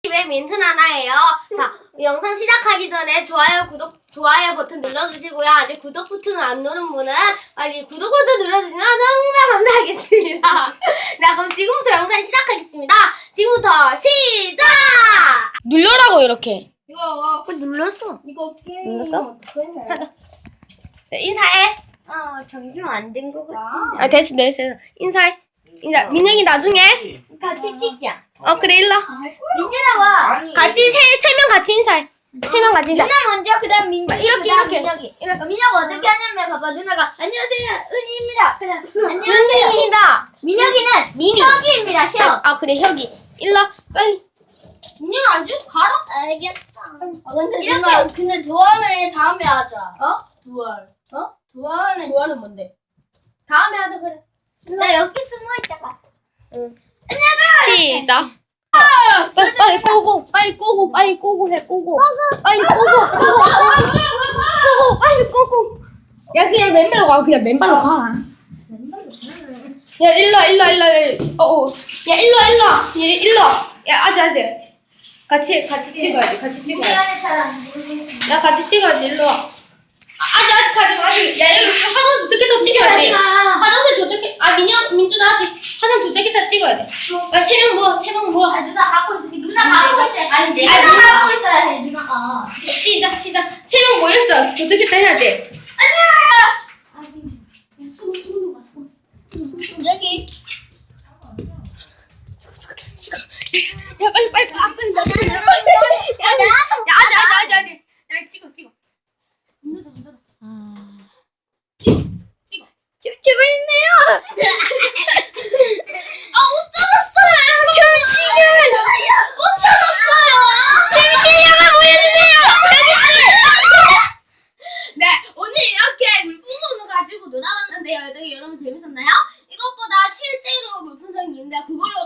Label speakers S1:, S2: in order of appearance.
S1: 집에 민트 나나예요. 자, 영상 시작하기 전에 좋아요 버튼 눌러주시고요. 아직 구독 버튼을 안 누른 분은 빨리 구독 버튼 눌러주시면 정말 감사하겠습니다. 자, 그럼 지금부터 영상 시작하겠습니다. 지금부터 시작!
S2: 눌러라고 이렇게.
S1: 이거
S2: 눌렀어.
S1: 이거 게임
S2: 눌렀어?
S1: 하자.
S2: 인사해.
S1: 잠시만 안 된 거 같은데.
S2: 아 됐어. 인사해. 인사. 민영이 나중에.
S1: 같이 찍자.
S2: 그래 일로.
S1: 민준아 와.
S2: 같이 세 명 같이 인사해. 세 명 같이 인사.
S1: 누나 먼저 그다음 민준.
S2: 이렇게.
S1: 민혁이. 민혁아 어떻게 하냐면 봐봐 누나가 안녕하세요 은희입니다. 그다음 안녕하세요.
S2: 준이입니다.
S1: 민혁이는
S2: 미미.
S1: 혁이입니다. 혁.
S2: 그래 혁이. 일로 빨리.
S1: 민혁아 안 주고 가라. 알겠다. 이렇게 근데 두알은 다음에 하자. 두알. 두알은 뭔데? 다음에 하자 그래. 나 여기 숨어 있다가.
S2: 시작. 빨리 꼬고 빨리 꼬고 빨리 꼬고 해 꼬고 빨리 꼬고 빨리 꼬고. 야 그냥 맨발로 가. 그냥 맨발로 가. 야 일로. 야 일로. 야 아직. 같이 찍어야지. 야 같이 찍어야지. 일로 와. 아직 가지 마. 야 여기 화장 도착했다 찍어야지. 화장실 도착해. 민준아 아직 화장 도착했다 찍어야지. 야 세 명 모아.
S1: 누나 갖고 있어. 누나 갖고 있어. 아니
S2: 내가
S1: 갖고 있어야 해 누나가.
S2: 시작. 세 명 모였어. 도착했다 해야지.
S1: 여기.
S2: 야 빨리. 야 아직. 야 찍어. 찍고 있네요.
S1: 옷 젖었어요. 옷 젖었어요.
S2: 실력을 보여주세요.
S1: 네, 오늘 이렇게 물풍선을 가지고 놀아봤는데요. 여러분 재밌었나요? 이것보다 실제로 물풍선이 있는데 그걸로